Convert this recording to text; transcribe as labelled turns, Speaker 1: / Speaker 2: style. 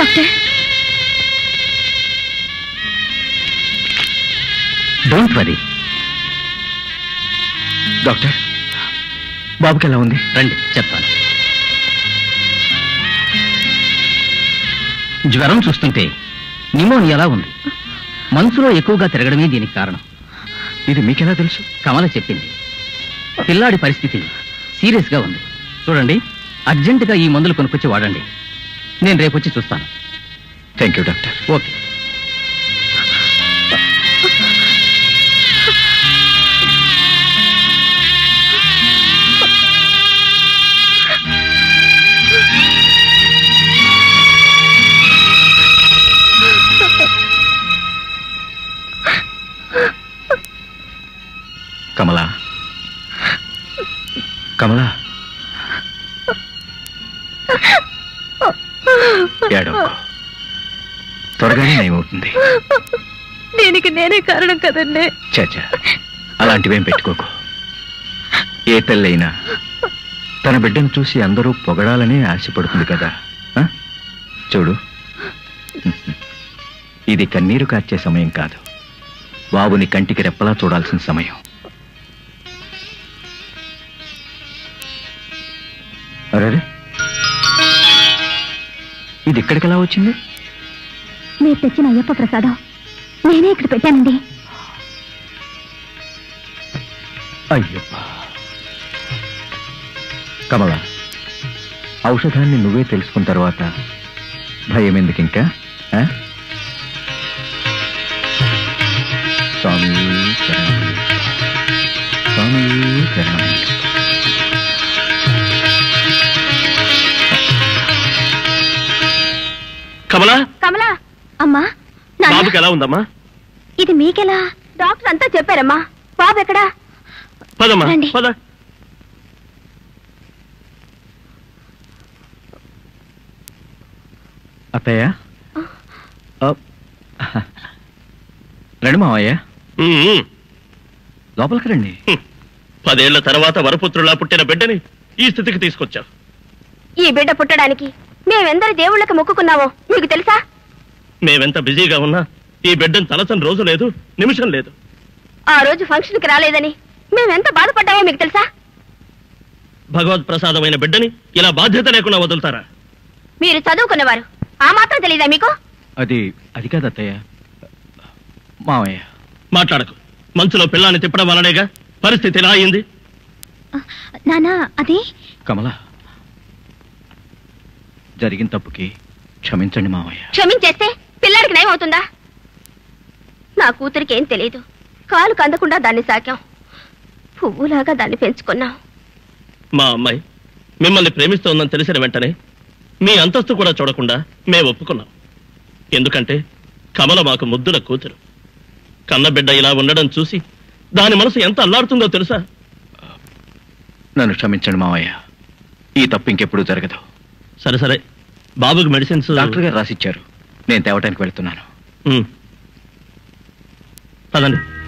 Speaker 1: Doctor,
Speaker 2: don't worry. Doctor, బాబుకి ఎలా ఉంది? రండి చెప్తాను. జ్వరం చూస్తుంటే న్యూమోనియాలా ఉంది. మనసులో ఎక్కువగా తిరగడమే దీనికి కారణం. ఇది మీకెలా తెలుసు? కమల చెప్పింది. పిల్లాడి పరిస్థితి సీరియస్గా ఉంది. చూడండి, అర్జెంటుగా ఈ మందులు కొనుక్కొచ్చి వాడండి. నేను రేపు వచ్చి చూస్తాను. Thank you doctor. Okay. Kamala, Kamala, ఏడవకు, త్వరగానే నయమవుతుంది.
Speaker 1: దీనికి నేనే కారణం కదండి.
Speaker 2: చాచా, అలాంటివేం పెట్టుకోకు. ఏ తల్లైనా తన బిడ్డను చూసి అందరూ పొగడాలని ఆశపడుతుంది కదా. చూడు, ఇది కన్నీరు కార్చే సమయం కాదు, బాబుని కంటికి రెప్పలా చూడాల్సిన సమయం. అరే, ఇది ఇక్కడికి ఎలా వచ్చింది?
Speaker 1: మీరు తెచ్చిన అయ్యప్ప ప్రసాదం నేనే ఇక్కడ పెట్టానండి.
Speaker 2: అయ్యప్ప. కమల, ఔషధాన్ని నువ్వే తెలుసుకున్న తర్వాత భయం ఎందుకు ఇంకా? స్వామి శరణం, స్వామి శరణం.
Speaker 3: కమలా,
Speaker 1: కమలా అమ్మా,
Speaker 3: బాబుకి ఎలా ఉందమ్మా?
Speaker 1: ఇది మీకెలా? డాక్టర్ అంతా చెప్పారమ్మా. బాబు ఎక్కడా?
Speaker 3: పదమ్మా, పద.
Speaker 2: అత్తయ్య, రండి మావయ్య, లోపలికి రండి.
Speaker 3: 10 ఏళ్ల తర్వాత వరపుత్రులా పుట్టిన బిడ్డని ఈ స్థితికి తీసుకొచ్చావు.
Speaker 1: ఈ బిడ్డ పుట్టడానికి మేమెందరి దేవుళ్ళకి మొక్కుకున్నామో మీకు తెలుసా?
Speaker 3: మేమెంత బిజీగా ఉన్నా ఈ బిడ్డను తలచని రోజు లేదు, నిమిషం లేదు.
Speaker 1: ఆ రోజు ఫంక్షన్కి రాలేదని మేమెంత బాధపడ్డామో మీకు తెలుసా?
Speaker 3: భగవద్ ప్రసాదమైన బిడ్డని ఇలా బాధ్యత లేకుండా వదులుతారా?
Speaker 1: మీరు చదువుకున్నవారు, ఆ మాత్రం తెలీదా మీకు?
Speaker 2: అది కాదు అత్తయ్య. మావయ్య,
Speaker 3: మాట్లాడకు. మంచులో పిల్లాన్ని తిప్పడం వలనేగా పరిస్థితి ఎలా అయింది?
Speaker 1: నానా, అది
Speaker 2: కమలా, జరిగిన తప్పుకి క్షమించండి మావయ్య.
Speaker 1: క్షమించేస్తే పిల్లాడికి నయం అవుతుందా? నా కూతురికి ఏం తెలియదు. కాలు కందకుండా దాన్ని సాకాం, పువ్వులాగా దాన్ని పెంచుకున్నాం.
Speaker 3: మా అమ్మాయి మిమ్మల్ని ప్రేమిస్తోందని తెలిసిన వెంటనే మీ అంతస్తు కూడా చూడకుండా మేము ఒప్పుకున్నాం. ఎందుకంటే కమల మాకు ముద్దుల కూతురు. కన్నబిడ్డ ఇలా ఉండడం చూసి దాని మనసు ఎంత అల్లాడుతుందో తెలుసా?
Speaker 2: నన్ను క్షమించండి మావయ్య, ఈ తప్పు ఇంకెప్పుడు జరగదు.
Speaker 3: సరే సరే, బాబుకి మెడిసిన్స్
Speaker 2: డాక్టర్ గారు రాసిచ్చారు, నేను తేవటానికి వెళ్తున్నాను.
Speaker 3: పదండి.